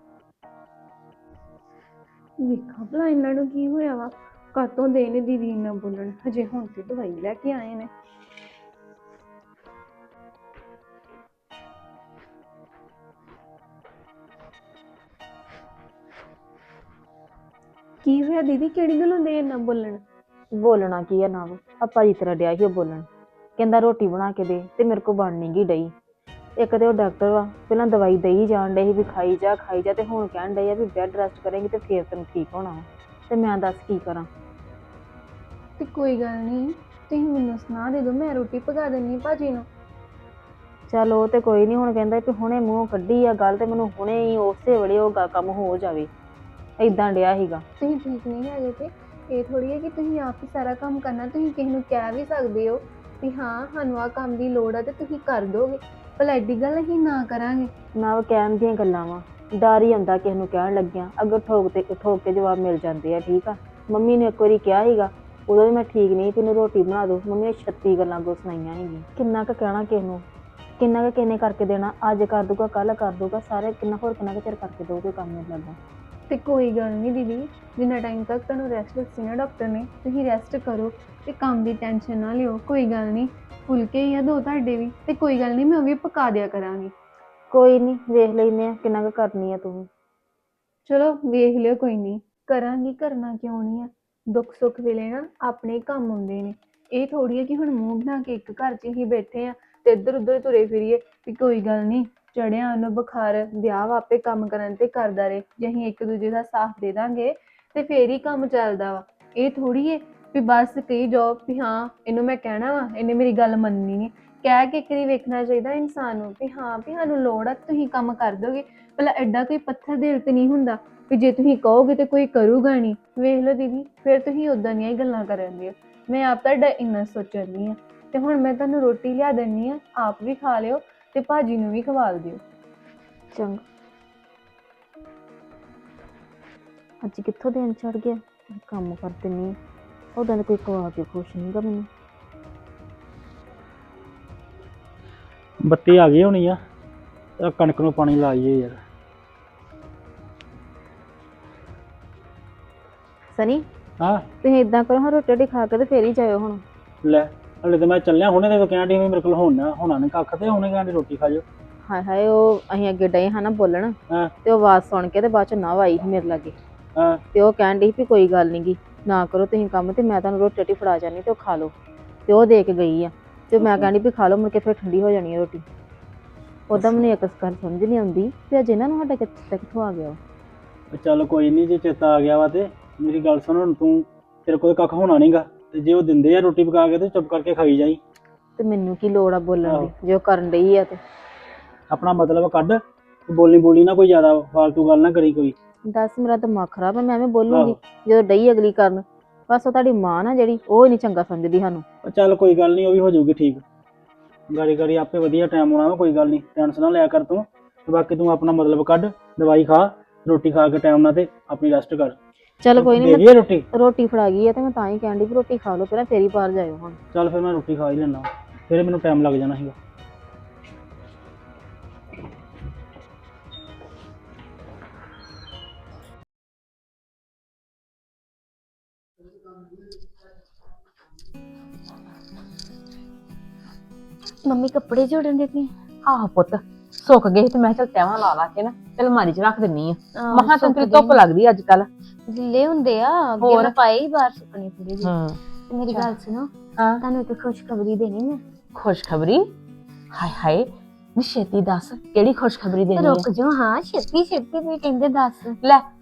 G: ਵੇਖਾਂ ਭਲਾ ਇਹਨਾਂ ਨੂੰ ਕੀ ਹੋਇਆ ਵਾ, ਕਾਤੋਂ ਦੇ ਨੇ ਦੀਦੀ ਇੰਨਾ ਬੋਲਣ, ਹਜੇ ਹੁਣ ਤੇ ਦਵਾਈ ਲੈ ਕੇ ਆਏ ਨੇ। ਕੀ ਹੋਇਆ ਦੀਦੀ, ਕਿਹੜੀ ਗੱਲੋਂ ਦੇ ਇੰਨਾ ਬੋਲਣ?
B: ਬੋਲਣਾ ਕੀ ਆ ਨਾ, ਆਪਾਂ ਜੀ ਤਰ੍ਹਾਂ ਡਿਆ ਸੀ ਉਹ ਬੋਲਣ, ਕਹਿੰਦਾ ਰੋਟੀ ਬਣਾ ਕੇ ਦੇ ਤੇ ਮੇਰੇ ਕੋਲ ਬਣ ਨਹੀਂ ਗਈ ਡਈ। ਇੱਕ ਤੇ ਉਹ ਡਾਕਟਰ ਵਾ, ਪਹਿਲਾਂ ਦਵਾਈ ਦੇਈ ਜਾਣ ਡੇ ਸੀ ਵੀ ਖਾਈ ਜਾ, ਤੇ ਹੁਣ ਕਹਿਣ ਡੇ ਆ ਵੀ ਬੈੱਡ ਰੈਸਟ ਕਰੇਂਗੀ ਤੇ ਫੇਰ ਤੈਨੂੰ ਠੀਕ ਹੋਣਾ ਵਾ। ਤੇ ਮੈਂ ਦੱਸ ਕੀ ਕਰਾਂ।
G: ਤੇ ਕੋਈ ਗੱਲ ਨਹੀਂ, ਤੁਸੀਂ ਮੈਨੂੰ ਸੁਣਾ ਦੇ ਦਿਓ, ਮੈਂ ਰੋਟੀ ਪਕਾ ਦਿੰਨੀ ਭਾਜੀ ਨੂੰ।
B: ਚੱਲ ਉਹ ਤੇ ਕੋਈ ਨਹੀਂ, ਹੁਣ ਕਹਿੰਦਾ ਵੀ ਹੁਣੇ ਮੂੰਹ ਕੱਢੀ ਆ ਗੱਲ ਤੇ ਮੈਨੂੰ ਹੁਣੇ ਹੀ ਉਸੇ ਵੇਲੇ ਉਹ ਕੰਮ ਹੋ ਜਾਵੇ, ਏਦਾਂ ਡਿਆ ਸੀਗਾ।
G: ਤੁਸੀਂ ਠੀਕ ਨਹੀਂ ਹੈਗੇ ਤੇ ਇਹ ਥੋੜੀ ਹੈ ਕਿ ਤੁਸੀਂ ਆਪ ਹੀ ਸਾਰਾ ਕੰਮ ਕਰਨਾ, ਤੁਸੀਂ ਕਿਸੇ ਨੂੰ ਕਹਿ ਵੀ ਸਕਦੇ ਹੋ ਵੀ ਹਾਂ ਸਾਨੂੰ ਆਹ ਕੰਮ ਦੀ ਲੋੜ ਆ ਤੇ ਤੁਸੀਂ ਕਰ ਦੋਗੇ, ਭਲਾ ਐਡੀ ਗੱਲ ਅਸੀਂ ਨਾ ਕਰਾਂਗੇ।
B: ਨਾ ਉਹ ਕਹਿਣ ਦੀਆਂ ਗੱਲਾਂ ਵਾ, ਡਰ ਹੀ ਆਉਂਦਾ ਕਿਸੇ ਨੂੰ ਕਹਿਣ ਲੱਗਿਆ, ਅੱਗੇ ਠੋਕ ਕੇ ਜਵਾਬ ਮਿਲ ਜਾਂਦੇ ਆ। ਠੀਕ ਆ, ਮੰਮੀ ਨੇ ਇੱਕ ਵਾਰੀ ਕਿਹਾ ਸੀਗਾ, ਉਦੋਂ ਵੀ ਮੈਂ ਠੀਕ ਨਹੀਂ, ਤੈਨੂੰ ਰੋਟੀ ਬਣਾ ਦੋ, ਮੰਮੀ ਨੇ 36 ਗੱਲਾਂ ਅੱਗੋਂ ਸੁਣਾਈਆਂ ਸੀਗੀਆਂ। ਕਿੰਨਾ ਕੁ ਕਹਿਣਾ ਕਿਸੇ ਨੂੰ, ਕਿੰਨਾ ਕੁ ਕਿਸੇ ਨੇ ਕਰਕੇ ਦੇਣਾ, ਅੱਜ ਕਰ ਦੂਗਾ ਕੱਲ ਕਰ ਦੂਗਾ, ਸਾਰੇ ਕਿੰਨਾ ਕੁ ਚਿਰ ਕਰਕੇ ਦਊਗੇ ਕੰਮ ਮੈਨੂੰ ਲੱਗਦਾ।
G: ਤੇ ਕੋਈ ਗੱਲ ਨਹੀਂ ਦੀਦੀ, ਜਿੰਨਾ ਟਾਈਮ ਤੱਕ ਤੁਹਾਨੂੰ ਰੈਸਟ ਦੱਸੀ ਨਾ ਡਾਕਟਰ ਨੇ, ਤੁਸੀਂ ਰੈਸਟ ਕਰੋ ਤੇ ਕੰਮ ਦੀ ਟੈਨਸ਼ਨ ਨਾ ਲਿਓ। ਕੋਈ ਗੱਲ ਨਹੀਂ, ਫੁਲਕੇ ਹੀ ਆ 2 ਤੁਹਾਡੇ ਵੀ, ਤੇ ਕੋਈ ਗੱਲ ਨਹੀਂ ਮੈਂ ਉਹ ਵੀ ਪਕਾ ਦਿਆ ਕਰਾਂਗੀ।
B: ਕੋਈ ਨਹੀਂ, ਵੇਖ ਲੈਨੇ ਆ ਕਿੰਨਾ ਕੁ ਕਰਨੀ ਆ ਤੂੰ।
G: ਚਲੋ ਵੇਖ ਲਿਓ, ਕੋਈ ਨਹੀਂ ਕਰਾਂਗੀ, ਕਰਨਾ ਕਿਉਂ ਨਹੀਂ ਆ। ਦੁੱਖ ਸੁੱਖ ਵੇਲੇ ਨਾ ਆਪਣੇ ਕੰਮ ਆਉਂਦੇ ਨੇ, ਇਹ ਥੋੜੀ ਹੈ ਕਿ ਹੁਣ ਮੂੰਹ ਬਣਾ ਕੇ ਇੱਕ ਘਰ 'ਚ ਹੀ ਬੈਠੇ ਆ ਤੇ ਇੱਧਰ ਉੱਧਰ ਤੁਰੇ ਫਿਰੀਏ ਵੀ ਕੋਈ ਗੱਲ ਨਹੀਂ ਚੜਿਆ ਉਹਨੂੰ ਬੁਖਾਰ, ਵਿਆਹ ਆਪੇ ਕੰਮ ਕਰਨ ਤੇ ਕਰਦਾ ਰਹੇ, ਜੇ ਅਸੀਂ ਇੱਕ ਦੂਜੇ ਦਾ ਸਾਥ ਦੇ ਦਾਂਗੇ ਤੇ ਫੇਰ ਹੀ ਕੰਮ ਚੱਲਦਾ ਵਾ। ਇਹ ਥੋੜੀ ਹੈ ਵੀ ਬਸ ਕਹੀ ਜਾਓ ਵੀ ਹਾਂ ਇਹਨੂੰ ਮੈਂ ਕਹਿਣਾ ਵਾ, ਇਹਨੇ ਮੇਰੀ ਗੱਲ ਮੰਨਣੀ ਨਹੀਂ। ਕਹਿ ਕੇ ਇੱਕ ਵਾਰੀ ਵੇਖਣਾ ਚਾਹੀਦਾ ਇਨਸਾਨ ਨੂੰ ਵੀ ਹਾਂ ਵੀ ਸਾਨੂੰ ਲੋੜ ਆ, ਤੁਸੀਂ ਕੰਮ ਕਰ ਦੋਗੇ। ਭਲਾ ਐਡਾ ਕੋਈ ਪੱਥਰ ਦਿਲ ਤੇ ਨਹੀਂ ਹੁੰਦਾ ਵੀ ਜੇ ਤੁਸੀਂ ਕਹੋਗੇ ਤੇ ਕੋਈ ਕਰੂਗਾ ਨਹੀਂ। ਵੇਖ ਲਓ ਦੀਦੀ, ਫਿਰ ਤੁਸੀਂ ਉਦਾਂ ਦੀਆਂ ਹੀ ਗੱਲਾਂ ਕਰਨ ਦੇ ਹੋ। ਮੈਂ ਆਪ ਤੁਹਾਡਾ ਇੰਨਾ ਸੋਚਣੀ ਆ, ਤੇ ਹੁਣ ਮੈਂ ਤੁਹਾਨੂੰ ਰੋਟੀ ਲਿਆ ਦਿੰਨੀ ਆ, ਆਪ ਵੀ ਖਾ ਲਿਓ ਤੇ ਭਾਜੀ ਨੂੰ ਵੀ ਖਵਾਲ ਦਿਓ।
B: ਚੰਗਾ, ਅੱਜ ਕਿੱਥੋਂ ਦਿਨ ਚੜ ਗਿਆ, ਕੰਮ ਕਰ ਦਿੰਨੀ, ਉਹਦਾਂ ਦਾ ਕੋਈ ਖਵਾ ਕੇ ਖੁਸ਼ ਨਹੀਂਗਾ ਮੈਨੂੰ।
F: ਬੱਤੀ ਆ ਗਈ ਹੋਣੀ ਆ, ਤੇ ਕਣਕ ਨੂੰ ਪਾਣੀ ਲਾਈਏ ਯਾਰ।
B: ਸਨੀ,
F: ਹਾਂ
B: ਤੁਸੀਂ ਇਦਾਂ ਕਰੋ, ਹਾਂ ਰੋਟੀ ਖਾ ਕੇ ਤੇ ਫੇਰ ਹੀ ਜਾਇਓ ਹੁਣ।
F: ਲੈ, ਹਲੇ ਤਾਂ ਮੈਂ ਚੱਲਿਆ ਹੁਣੇ, ਤੇ ਕਹਿਣ ਡਈ ਵੀ ਮੇਰੇ ਕੋਲ ਹੋਣਾ ਨਹੀਂ ਕੱਖ, ਤੇ ਹੁਣੇ ਕਹਿਣ ਡਈ ਰੋਟੀ ਖਾ ਜਾਓ।
B: ਹਾਏ ਹਾਏ, ਉਹ ਅਸੀਂ ਅੱਗੇ ਡਏ ਹਾਂ ਨਾ ਬੋਲਣ,
F: ਹਾਂ
B: ਤੇ ਉਹ ਆਵਾਜ਼ ਸੁਣ ਕੇ ਤੇ ਬਾਅਦ ਚ ਨਾ ਆਈ ਸੀ ਮੇਰੇ ਲਾਗੇ,
F: ਹਾਂ
B: ਤੇ ਉਹ ਕਹਿਣ ਡਈ ਵੀ ਕੋਈ ਗੱਲ ਨੀ ਗੀ, ਨਾ ਕਰੋ ਤੁਸੀਂ ਕੰਮ, ਤੇ ਮੈਂ ਤੁਹਾਨੂੰ ਰੋਟੀ ਫੜਾ ਜਾਨੀ ਤੇ ਉਹ ਖਾ ਲਓ। ਤੇ ਉਹ ਦੇ ਕੇ ਗਈ ਆ, ਤੇ ਮੈਂ ਕਹਿੰਦੀ ਵੀ ਖਾ ਲਓ, ਮੁੜ ਕੇ ਫਿਰ ਠੰਡੀ ਹੋ ਜਾਣੀ ਹੈ ਰੋਟੀ। ਉਦਾਂ ਮੈਨੂੰ ਇੱਕ ਗੱਲ ਸਮਝ ਨਹੀਂ ਆਉਂਦੀ ਤੇ ਅੱਜ ਇਹਨਾਂ ਨੂੰ ਸਾਡਾ ਕਿੱਥੋਂ ਆ ਗਿਆ ਵਾ।
F: ਚੱਲ ਕੋਈ ਨਹੀਂ, ਜੇ ਚੇਤਾ ਆ ਗਿਆ ਵਾ ਤੇ ਮੇਰੀ ਗੱਲ ਸੁਣ, ਹੁਣ ਤੂੰ ਤੇਰੇ ਕੋਲ ਕੱਖ ਹੋਣਾ ਨਹੀਂਗਾ, ਤੇ ਜੇ ਉਹ ਦਿੰਦੇ ਆ ਰੋਟੀ ਪਕਾ ਕੇ ਤੇ ਚੁੱਪ ਕਰਕੇ ਖਾਈ ਜਾਈ।
B: ਤੇ ਮੈਨੂੰ ਕੀ ਲੋੜ ਆ ਬੋਲਣ ਦੀ, ਜੇ ਉਹ ਕਰਨ ਡਈ ਆ ਤੇ।
F: ਆਪਣਾ ਮਤਲਬ ਕੱਢ, ਬੋਲੀ ਨਾ ਕੋਈ ਜ਼ਿਆਦਾ ਫਾਲਤੂ ਗੱਲ ਨਾ ਕਰੀ ਕੋਈ।
B: ਦੱਸ, ਮੇਰਾ ਦਿਮਾਗ ਖਰਾਬ ਹੈ, ਮੈਂ ਐਵੇਂ ਬੋਲੂੰਗੀ ਜਦੋਂ ਡਈ ਅਗਲੀ ਕਰਨ। ਬਸ ਉਹ ਤੁਹਾਡੀ ਮਾਂ ਨਾ ਜਿਹੜੀ, ਉਹ ਹੀ ਨਹੀਂ ਚੰਗਾ ਸਮਝਦੀ ਸਾਨੂੰ।
F: ਚੱਲ ਕੋਈ ਗੱਲ ਨਹੀਂ, ਉਹ ਵੀ ਹੋ ਜਾਊਗੀ ਠੀਕ, ਗਾੜੀ ਆਪੇ ਵਧੀਆ ਟਾਈਮ ਆਉਣਾ ਵਾ, ਕੋਈ ਗੱਲ ਨਹੀਂ, ਟੈਨਸ਼ਨ ਨਾ ਲਿਆ ਕਰ ਤੂੰ। ਤੇ ਬਾਕੀ ਤੂੰ ਆਪਣਾ ਮਤਲਬ ਕੱਢ, ਦਵਾਈ ਖਾ, ਰੋਟੀ ਖਾ ਕੇ ਟਾਈਮ ਨਾਲ ਤੇ ਆਪਣੀ ਰੈਸਟ ਕਰ।
B: ਚੱਲ ਕੋਈ
F: ਦੇ
B: ਨਹੀਂ,
F: ਰੋਟੀ
B: ਰੋਟੀ ਫੜਾ ਗਈ ਹੈ ਤੇ ਮੈਂ ਤਾਂ ਹੀ ਕਹਿਣ ਡਈ ਵੀ ਰੋਟੀ ਖਾ ਲਓ ਪਹਿਲਾਂ, ਫੇਰ ਹੀ ਬਾਹਰ ਜਾਇਓ ਹੁਣ।
F: ਚੱਲ ਫਿਰ ਮੈਂ ਰੋਟੀ ਖਾ ਹੀ ਲੈਣਾ, ਫਿਰ ਮੈਨੂੰ ਟਾਈਮ ਲੱਗ ਜਾਣਾ ਸੀਗਾ।
A: ਮੰਮੀ ਕੱਪੜੇ ਜੋੜਨ ਦੇ ਪਏ?
H: ਆਹ ਪੁੱਤ ਸੁੱਕ ਗਏ ਤੇ ਮੈਂ ਚਲ ਤੈਵਾਂ ਲਾ ਕੇ ਨਾ ਤੇ ਅਲਮਾਰੀ 'ਚ ਰੱਖ ਦਿੰਨੀ ਆ।
A: ਆਹ,
H: ਮਹਾਂ ਤੈਨੂੰ
A: ਸੁੱਕਦੇ
H: ਧੁੱਪ ਲੱਗਦੀ ਅੱਜ ਕੱਲ।
A: ਗਿੱਲੇ ਹੁੰਦੇ ਆ, ਅੱਗੇ
H: ਹੋਰ?
A: ਮੈਂ ਪਾਏ ਹੀ ਬਾਹਰ ਸੁੱਕਣੇ ਥੋੜੇ ਜਿਹੇ।
H: ਹਾਂ
A: ਤੇ ਮੇਰੀ ਗੱਲ ਸੁਣੋ,
H: ਹਾਂ,
A: ਤੁਹਾਨੂੰ ਇੱਕ ਖੁਸ਼ਖਬਰੀ ਦੇਣੀ ਮੈਂ।
H: ਖੁਸ਼ਖਬਰੀ? ਹਾਏ ਹਾਏ, ਨੀ ਛੇਤੀ ਦੱਸ, ਕਿਹੜੀ ਖੁਸ਼ਖਬਰੀ ਦੇਣੀ
A: ਰੁਕ
H: ਆ?
A: ਜਾਓ, ਹਾਂ ਛੇਤੀ ਛੇਤੀ, ਤੁਸੀਂ ਕਹਿੰਦੇ ਦੱਸ।
H: ਲੈ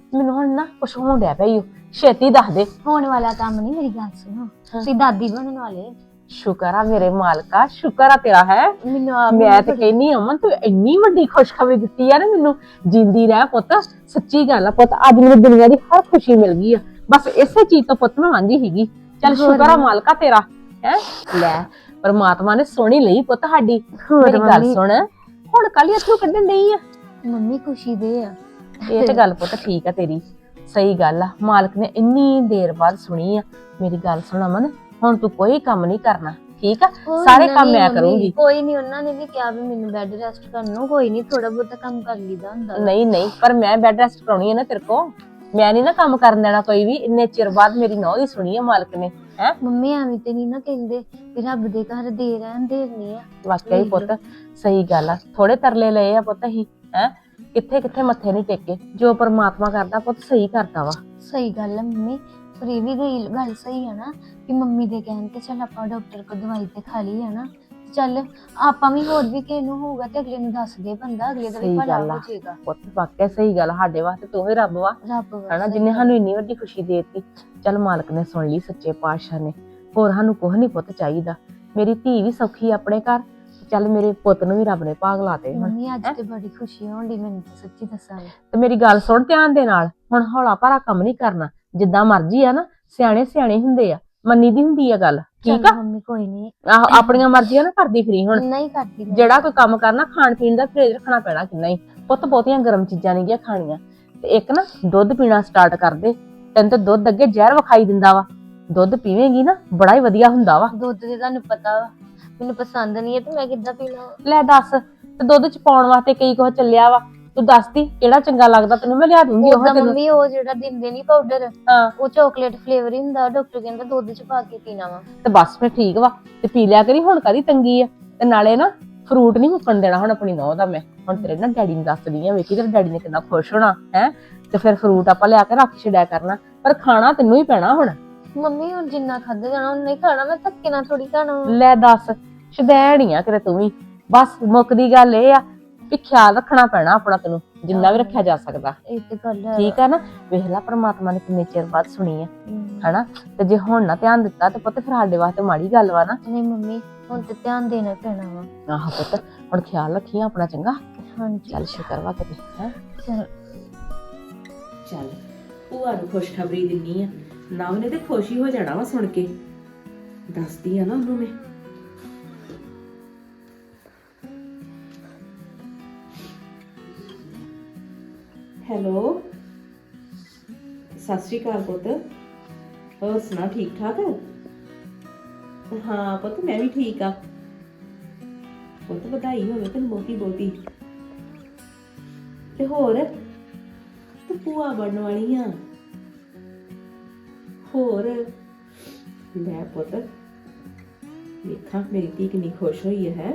H: ਮੈਨੂੰ ਹੁਣ ਨਾ ਕੁਛ ਹੋਣ ਡਿਆ ਪਿਆ ਈ ਓ। ਛੇਤੀ ਦੱਸ ਦੇ।
A: ਹੋਣ ਵਾਲਾ ਕੰਮ ਨਹੀਂ, ਮੇਰੀ ਗੱਲ ਸੁਣੋ, ਤੁਸੀਂ ਦਾਦੀ ਬਣਨ ਵਾਲੇ।
H: ਸ਼ੁਕਰ ਆ ਮੇਰੇ ਮਾਲਕਾ, ਸ਼ੁਕਰ ਆ ਤੇਰਾ ਹੈ।
A: ਮੈਨੂੰ ਆਪ
H: ਮੈਂ ਤੇ ਕਹਿੰਨੀ ਅਮਨ ਤੂੰ ਇੰਨੀ ਵੱਡੀ ਖੁਸ਼ਖਬਰੀ ਦਿੱਤੀ ਆ ਨਾ ਮੈਨੂੰ। ਜਿੰਦੀ ਰਹਿ ਪੁੱਤ, ਸੱਚੀ ਗੱਲ ਆ ਪੁੱਤ, ਅੱਜ ਮੈਨੂੰ ਦੁਨੀਆ ਦੀ ਹਰ ਖੁਸ਼ੀ ਮਿਲ ਗਈ ਆ। ਬਸ ਇਸੇ ਚੀਜ਼ ਤੋਂ ਪੁੱਤ ਮੈਂ ਵਾਂਝੀ ਸੀਗੀ। ਚੱਲ ਸ਼ੁਕਰ ਆ ਮਾਲਕਾ ਤੇਰਾ ਹੈ। ਲੈ ਪਰਮਾਤਮਾ ਨੇ ਸੋਹਣੀ ਲਈ ਪੁੱਤ ਸਾਡੀ। ਮੇਰੀ ਗੱਲ ਸੁਣ, ਹੁਣ ਕੱਲ ਇੱਥੋਂ ਕੱਢਣ ਡਈ ਆ।
A: ਮੰਮੀ ਖੁਸ਼ੀ ਦੇ ਆ।
H: ਇਹ ਤੇ ਗੱਲ ਪੁੱਤ ਠੀਕ ਆ ਤੇਰੀ, ਸਹੀ ਗੱਲ ਆ। ਮਾਲਕ ਨੇ ਇੰਨੀ ਦੇਰ ਬਾਅਦ ਸੁਣੀ ਆ। ਮੇਰੀ ਗੱਲ ਸੁਣ ਅਮਨ, ਹੁਣ ਤੂੰ ਕੋਈ ਕੰਮ ਨਹੀਂ ਕਰਨਾ, ਠੀਕ ਆ? ਸਾਰੇ ਕੰਮ ਮੈਂ ਕਰੂੰਗੀ।
A: ਕੋਈ ਨਹੀਂ, ਉਹਨਾਂ ਨੇ ਵੀ ਕਿਹਾ ਵੀ ਮੈਨੂੰ ਬੈੱਡ ਰੈਸਟ ਕਰਨ ਨੂੰ, ਕੋਈ ਨਹੀਂ ਥੋੜਾ ਬਹੁਤਾ ਕੰਮ ਕਰ ਲਈਦਾ ਹੁੰਦਾ।
H: ਨਹੀਂ ਨਹੀਂ, ਪਰ ਮੈਂ ਬੈੱਡ ਰੈਸਟ ਕਰਾਉਣੀ ਹੈ ਨਾ ਤੇਰੇ ਕੋ। ਮੈਂ ਨਹੀਂ ਨਾ ਕੰਮ ਕਰਨ ਦੇਣਾ ਕੋਈ ਵੀ। ਇੰਨੇ ਚਿਰ ਬਾਅਦ ਮੇਰੀ ਨੌਂ ਦੀ ਸੁਣੀ ਆ ਮਾਲਕ ਨੇ। ਹੈ
A: ਮੰਮੀ ਐਵੇਂ ਤੇ ਨਹੀਂ ਨਾ ਕਹਿੰਦੇ ਵੀ ਰੱਬ ਦੇ ਘਰ ਦੇ ਰਹਿਣ ਦੇਣੀ ਆ।
H: ਵਾਕਿਆ ਹੀ ਪੁੱਤ ਸਹੀ ਗੱਲ ਆ। ਥੋੜੇ ਤਰਲੇ ਲਏ ਆ ਪੁੱਤ ਅਸੀਂ, ਹੈ ਕਿੱਥੇ ਕਿੱਥੇ ਮੱਥੇ ਨਹੀਂ ਟੇਕੇ। ਜੋ ਪਰਮਾਤਮਾ ਕਰਦਾ ਪੁੱਤ ਸਹੀ ਕਰਦਾ ਵਾ।
A: ਸਹੀ ਗੱਲ ਹੈ ਮੰਮੀ, ਪਰ ਇਹ ਵੀ ਗੱਲ ਸਹੀ ਹੈ ਨਾ ਕਿ ਮੰਮੀ ਦੇ ਕਹਿਣ ਤੇ ਚੱਲ ਆਪਾਂ ਡਾਕਟਰ ਕੋਲ ਦਵਾਈ ਤੇ ਖਾ ਲਈ ਹੈ ਨਾ। ਚੱਲ ਆਪਾਂ ਵੀ ਹੋਰ ਵੀ ਕਿਸੇ ਨੂੰ ਹੋਊਗਾ ਤੇ ਅਗਲੇ ਨੂੰ ਦੱਸ ਦੇ ਬੰਦਾ, ਅਗਲੇ ਦਾ ਵੀ
H: ਸਹੀ
A: ਭਲਾ
H: ਗੱਲ ਆ
A: ਹੋ ਜਾਏਗਾ।
H: ਪੁੱਤ ਵਾਕਿਆ ਸਹੀ ਗੱਲ ਆ। ਸਾਡੇ ਵਾਸਤੇ ਤੂੰ ਹੀ ਰੱਬ ਵਾ,
A: ਰੱਬ
H: ਹਨਾ, ਜਿੰਨੇ ਸਾਨੂੰ ਇੰਨੀ ਵੱਡੀ ਖੁਸ਼ੀ ਦੇ ਦਿੱਤੀ। ਚੱਲ ਮਾਲਕ ਨੇ ਸੁਣ ਲਈ, ਸੱਚੇ ਪਾਤਸ਼ਾਹ ਨੇ। ਹੋਰ ਸਾਨੂੰ ਕੁਝ ਨਹੀਂ ਪੁੱਤ ਚਾਹੀਦਾ। ਮੇਰੀ ਧੀ ਵੀ ਸੌਖੀ ਆਪਣੇ ਘਰ, ਚੱਲ ਮੇਰੇ ਪੁੱਤ ਨੂੰ ਵੀ ਰੱਬ ਨੇ ਭਾਗ ਲਾਤੇ ਹੁਣ।
A: ਮੰਮੀ ਅੱਜ ਤੇ ਬੜੀ ਖੁਸ਼ੀ ਹੋਣ ਦੀ ਮੈਨੂੰ, ਤੇ ਸੱਚੀ ਦੱਸਾਂ।
H: ਤੇ ਮੇਰੀ ਗੱਲ ਸੁਣ ਧਿਆਨ ਦੇ ਨਾਲ, ਹੁਣ ਹੌਲਾ ਭਾਰਾ ਕੰਮ ਨਹੀਂ ਕਰਨਾ। ਜਿੱਦਾਂ ਮਰਜ਼ੀ ਆ ਨਾ, ਸਿਆਣੇ ਸਿਆਣੇ ਹੁੰਦੇ ਆ, ਮੰਨੀ ਦੀ ਹੁੰਦੀ ਆ ਗੱਲ, ਠੀਕ ਆ?
A: ਮੰਮੀ ਕੋਈ ਨਹੀਂ,
H: ਆਹੋ ਆਪਣੀਆਂ ਮਰਜ਼ੀਆਂ ਨਾ ਕਰਦੀ ਫਿਰੀ ਹੁਣ।
A: ਨਹੀਂ ਕਰਦੀ ਮੈਂ।
H: ਜਿਹੜਾ ਕੋਈ ਕੰਮ ਕਰਨਾ, ਖਾਣ ਪੀਣ ਦਾ ਪਰਹੇਜ਼ ਰੱਖਣਾ ਪੈਣਾ ਕਿੰਨਾ ਹੀ ਪੁੱਤ। ਬਹੁਤੀਆਂ ਗਰਮ ਚੀਜ਼ਾਂ ਨਹੀਂ ਗਿਆ ਖਾਣੀਆਂ। ਤੇ ਇੱਕ ਨਾ ਦੁੱਧ ਪੀਣਾ ਸਟਾਰਟ ਕਰ ਦੇ। ਤੈਨੂੰ ਤਾਂ ਦੁੱਧ ਅੱਗੇ ਜ਼ਹਿਰ ਵਿਖਾਈ ਦਿੰਦਾ ਵਾ, ਦੁੱਧ ਪੀਵੇਂਗੀ ਨਾ ਬੜਾ ਹੀ ਵਧੀਆ ਹੁੰਦਾ ਵਾ।
A: ਦੁੱਧ ਦੇ ਤੁਹਾਨੂੰ ਪਤਾ ਵਾ ਮੈਨੂੰ ਪਸੰਦ ਨਹੀਂ ਹੈ ਤੇ ਮੈਂ ਕਿੱਦਾਂ ਪੀਣਾ।
H: ਲੈ ਦੱਸ, ਤੇ ਦੁੱਧ ਚ ਪਾਉਣ ਵਾਸਤੇ ਕਈ ਕੁਝ ਚੱਲਿਆ ਵਾ। ਤੂੰ ਦੱਸਦੀ ਕਿਹੜਾ ਚੰਗਾ ਲੱਗਦਾ ਤੈਨੂੰ, ਮੈਂ ਲਿਆ ਦੂੰਗੀ ਉਹ ਤੈਨੂੰ।
A: ਮੰਮੀ ਉਹ ਜਿਹੜਾ ਦਿੰਦੇ ਨਹੀਂ ਪਾਊਡਰ,
H: ਹਾਂ
A: ਉਹ ਚਾਕਲੇਟ ਫਲੇਵਰ ਹੀ ਹੁੰਦਾ। ਡਾਕਟਰ ਕਹਿੰਦਾ ਦੁੱਧ ਚ ਪਾ ਕੇ ਪੀਣਾ ਵਾ।
H: ਤੇ ਬਸ ਫਿਰ ਠੀਕ ਵਾ, ਤੇ ਪੀ ਲਿਆ ਕਰੀ। ਹੁਣ ਕਾਹਦੀ ਤੰਗੀ ਆ? ਤੇ ਨਾਲੇ ਨਾ ਫਰੂਟ ਨਹੀਂ ਮੁੱਕਣ ਦੇਣਾ ਹੁਣ ਆਪਣੀ ਨੌਂ ਦਾ। ਮੈਂ ਹੁਣ ਤੇਰੇ ਨਾ ਡੈਡੀ ਨੂੰ ਦੱਸਦੀ ਆ, ਵੇਖੀ ਤੇਰੇ ਡੈਡੀ ਨੇ ਕਿੰਨਾ ਖੁਸ਼ ਹੋਣਾ ਹੈ। ਤੇ ਫਿਰ ਫਰੂਟ ਆਪਾਂ ਲਿਆ ਕੇ ਰੱਖ ਛੱਡਿਆ ਕਰਨਾ, ਪਰ ਖਾਣਾ ਤੈਨੂੰ ਹੀ ਪੈਣਾ ਹੁਣ।
A: ਮੰਮੀ ਹੁਣ ਜਿੰਨਾ ਖਾਧਾ ਜਾਣਾ ਉਨਾ ਹੀ ਖਾਣਾ, ਮੈਂ ਧੱਕੇ ਨਾਲ ਥੋੜੀ ਖਾਣਾ।
H: ਲੈ ਦੱਸ, ਸ਼ਦੈਣ ਆ ਕਿਤੇ ਤੂੰ ਵੀ। ਬਸ ਮੁੱਕਦੀ ਗੱਲ ਇਹ ਆ ਵੀ ਖਿਆਲ ਰੱਖਣਾ ਪੈਣਾ ਆਪਣਾ, ਤੈਨੂੰ ਜਿੰਨਾ ਵੀ ਰੱਖਿਆ ਜਾ ਸਕਦਾ,
A: ਇਹ ਤੇ ਗੱਲ ਹੈ।
H: ਠੀਕ ਆ ਨਾ? ਵੇਖ ਲੈ ਪਰਮਾਤਮਾ ਨੇ ਕਿੰਨੇ ਚਿਰ ਬਾਅਦ ਸੁਣੀ ਆ, ਹਨਾ? ਤੇ ਜੇ ਹੁਣ ਨਾ ਧਿਆਨ ਦਿੱਤਾ ਤੇ ਪੁੱਤ ਫਿਰ ਸਾਡੇ ਵਾਸਤੇ ਮਾੜੀ ਗੱਲ ਵਾ ਨਾ।
A: ਨਹੀਂ ਮੰਮੀ, ਹੁਣ ਤੇ ਧਿਆਨ ਦੇਣਾ ਪੈਣਾ ਵਾ।
H: ਆਹ ਪੁੱਤ ਹੁਣ ਖਿਆਲ ਰੱਖੀ ਆਪਣਾ, ਚੰਗਾ?
A: ਹਾਂਜੀ
H: ਚੱਲ ਸ਼ੁਕਰ ਵਾ ਕਿਤੇ ਹੈ।
A: ਚਲ
D: ਚੱਲ ਭੂਆ ਨੂੰ ਖੁਸ਼ਖਬਰੀ ਦਿੰਨੀ ਆ, ਨਾ ਉਹਨੇ ਤੇ ਖੁਸ਼ ਹੀ ਹੋ ਜਾਣਾ ਵਾ ਸੁਣ ਕੇ। ਦੱਸਦੀ ਆ ਨਾ ਉਹਨੂੰ ਮੈਂ। ਹੈਲੋ, ਸਤਿ ਸ਼੍ਰੀ ਅਕਾਲ ਪੁੱਤ। ਹੋਰ ਸੁਣਾ, ਠੀਕ ਠਾਕ? ਹਾਂ ਪੁੱਤ ਮੈਂ ਵੀ ਠੀਕ ਆ। ਪੁੱਤ ਵਧਾਈ ਹੋਵੇ ਤੈਨੂੰ ਬਹੁਤੀ ਬਹੁਤੀ। ਤੇ ਹੋਰ ਤੂੰ ਭੂਆ ਬਣਨ ਵਾਲੀ ਆ। ਹੋਰ ਲੈ ਪੁੱਤ, ਵੇਖਾਂ ਮੇਰੀ ਧੀ ਕਿੰਨੀ ਖੁਸ਼ ਹੋਈ ਹੈ।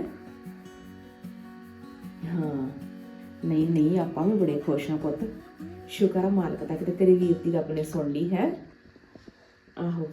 D: ਹਾਂ ਨਹੀਂ ਨਹੀਂ, ਆਪਾਂ ਵੀ ਬੜੇ ਖੁਸ਼ ਹਾਂ ਪੁੱਤ। ਸ਼ੁਕਰ ਆ ਮਾਲਕ ਦਾ, ਕਿਤੇ ਤੇਰੇ ਵੀਰ ਦੀ ਰੱਬ ਨੇ ਸੁਣ ਲਈ ਹੈ। ਆਹੋ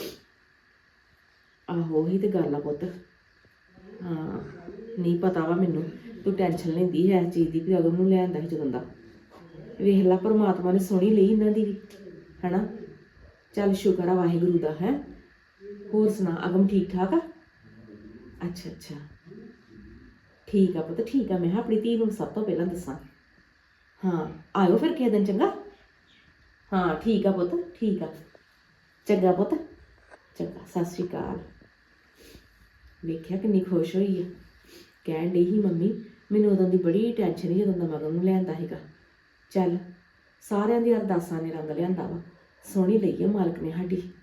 D: ਆਹੋ, ਉਹੀ ਤੇ ਗੱਲ ਆ ਪੁੱਤ। ਹਾਂ ਨਹੀਂ ਪਤਾ ਵਾ ਮੈਨੂੰ, ਤੂੰ ਟੈਨਸ਼ਨ ਲੈਂਦੀ ਹੈ ਇਸ ਚੀਜ਼ ਦੀ ਵੀ ਅਗਮ ਨੂੰ ਲਿਆਂਦਾ ਸੀ ਜਦੋਂ ਦਾ। ਵੇਖ ਲਾ ਪਰਮਾਤਮਾ ਨੇ ਸੁਣੀ ਲਈ ਇਹਨਾਂ ਦੀ ਵੀ, ਹਨਾ? ਚੱਲ ਸ਼ੁਕਰ ਆ ਵਾਹਿਗੁਰੂ ਦਾ ਹੈ। ਹੋਰ ਸੁਣਾ, ਅਗਮ ਠੀਕ ਠਾਕ ਆ? ਅੱਛਾ ਅੱਛਾ ਠੀਕ ਆ ਪੁੱਤ, ਠੀਕ ਆ। ਮੈਂ ਆਪਣੀ ਧੀ ਨੂੰ ਸਭ ਤੋਂ ਪਹਿਲਾਂ ਦੱਸਾਂ। ਹਾਂ ਆਇਓ ਫਿਰ ਕਿਸੇ ਦਿਨ, ਚੰਗਾ? ਹਾਂ ਠੀਕ ਆ ਪੁੱਤ, ਠੀਕ ਆ। ਚੰਗਾ ਪੁੱਤ, ਚੰਗਾ। ਸਤਿ ਸ਼੍ਰੀ ਅਕਾਲ। ਵੇਖਿਆ ਕਿੰਨੀ ਖੁਸ਼ ਹੋਈ ਆ। ਕਹਿਣ ਡਈ ਸੀ ਮੰਮੀ ਮੈਨੂੰ ਉਦੋਂ ਦੀ ਬੜੀ ਟੈਨਸ਼ਨ ਸੀ ਜਦੋਂ ਦਾ ਮਗਰ ਨੂੰ ਲਿਆਂਦਾ ਸੀਗਾ। ਚੱਲ ਸਾਰਿਆਂ ਦੀ ਅਰਦਾਸਾਂ ਨੇ ਰੰਗ ਲਿਆਂਦਾ ਵਾ। ਸੋਹਣੀ ਲਈ ਆ ਮਾਲਕ ਨੇ ਸਾਡੀ।